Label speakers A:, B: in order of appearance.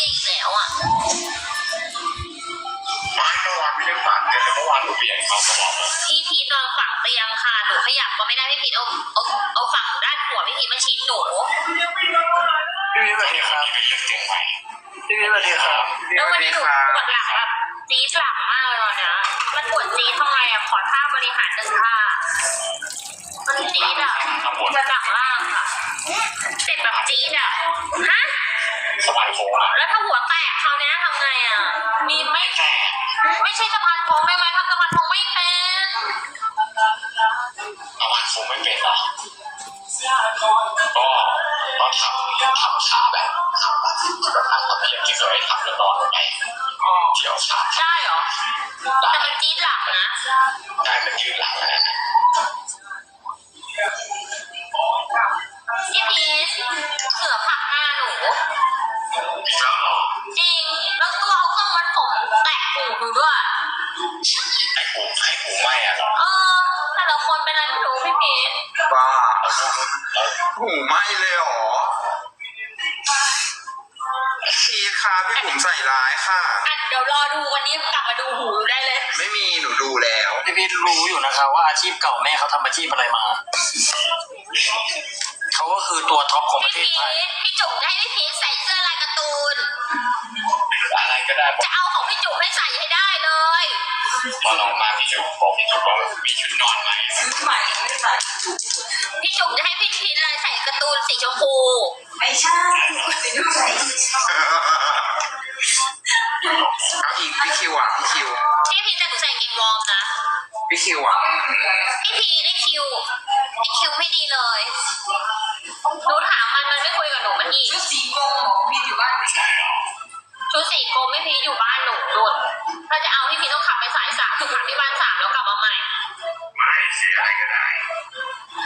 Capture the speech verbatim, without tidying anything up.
A: อีกแล้วอ่ะ
B: ไม่เมื่อวานไม่ได้ฝันแต่เมื่อวานหนูเปลี่ยนเขาตลอดเลย
A: พี่พีทนอนฝั่งเตียงค่ะหนูขยับก็ไม่ได้พี่พีทเอาเอาเอาฝั่งด้านหัวพี่พีทมาชี้หนู
C: พี่วิสวัสดีครับ
B: เป็นเรื่องเตียงใหม่
C: พี่วิสวัสดีครับพี่
A: แล้ว
C: ส
A: วั
C: วัน ส
A: นี้
C: ดี
A: หนู
C: ครับ
A: ปวดหลังแบบจี๊ดหลังมากเลยตอนเนี้ยมันปวดจี๊ดทำไมอ่ะขอท่าบริหารหนึ่งท่ามันจี๊ดอ่ะปวดหลังล่างค่ะเจ็บแบบจี๊ดอ่ะฮะ
B: สบายโค้งอะ
A: แล้วถ้าหัวแตกคราวนี้ทำไงอ่ะมีไม่
B: แต่
A: ไม่ใช่สะพานโค้งได้ไหมทำสะพานโค้งไม่เป็น
B: ประมาณโค้งไม่เป็นหรอกก็ก็ทำทำขาแบบทำแบบแบบทำแบบเพียงที่เคยทำแล้วนอนลงไปเที่ยวขา
A: ได้เหรอแต่มันจี๊ดหลังนะ
B: ได้มันยืดหลังนะ
A: พี่พีชเสือผลักหน้าหนู
B: อีกแล้วเหรอ
A: จริงแล้วตัวเอาเครื่องวัดผมแตะหูหนูด้วย
B: ไอ้หูไอ้หูไหม้อะเหรอ
A: เออแต่ละคนเป็นอะไรไม่รู้พี่พีช
C: บ้า
B: แล้ว
C: หูไหม้เลยเหรอพี่ครับพี่ผมใส่ร้ายค่ะ
A: อ่ะเดี๋ยวรอดูวันนี้กลับมาดูหูได้เลย
C: ไม่มีหนูดูแล้ว
D: พี่พีทรู้อยู่นะครับว่าอาชีพเก่าแม่เขาทำอาชีพอะไรมา เขาก็คือตัวท็อปของประเท
A: พี่
D: ศ
A: พี
D: ไทย
A: ชพี่จุ๋มจะให้พี่พีชใส่เสื้อลายการ์ตูน
B: อะไรก็ได้บอก
A: จะเอาของพี่จุ๋มให้ใส่ให้ได้เลย
B: พอลองมาพี่จุ๊บบอกพี่จุ๊บว่ามีชุดนอนไหม
E: ใหม่ไม่ใส่
A: พี่จุ๋มจะให้พี่พีชเลยใส่การ์ตูนสีชมพู
E: ไม่ใช่สีดูใส่
C: เอาอีกพี่คิวอ่ะพี่คิว
A: พี่พีชแต่หนูใส่กางเกงวอร์มนะ
C: พี่คิวอ่ะ
A: พี่พีชไอคิวไอคิวไม่ดีเลยหนูถามมันมันไม่คุยกับหนูมันอีก
E: ชุดสีกรมของพี่อยู่บ้านไม่ใช่
A: ชุดสีกรมพี่พีชอยู่บ้านหนูนุ่นถ้าจะเอาพี่พีชต้องขับไปสายสามขับที่บ้านสามแล้วกลับมาใหม่
B: ไม่เสียอะไรก็ได้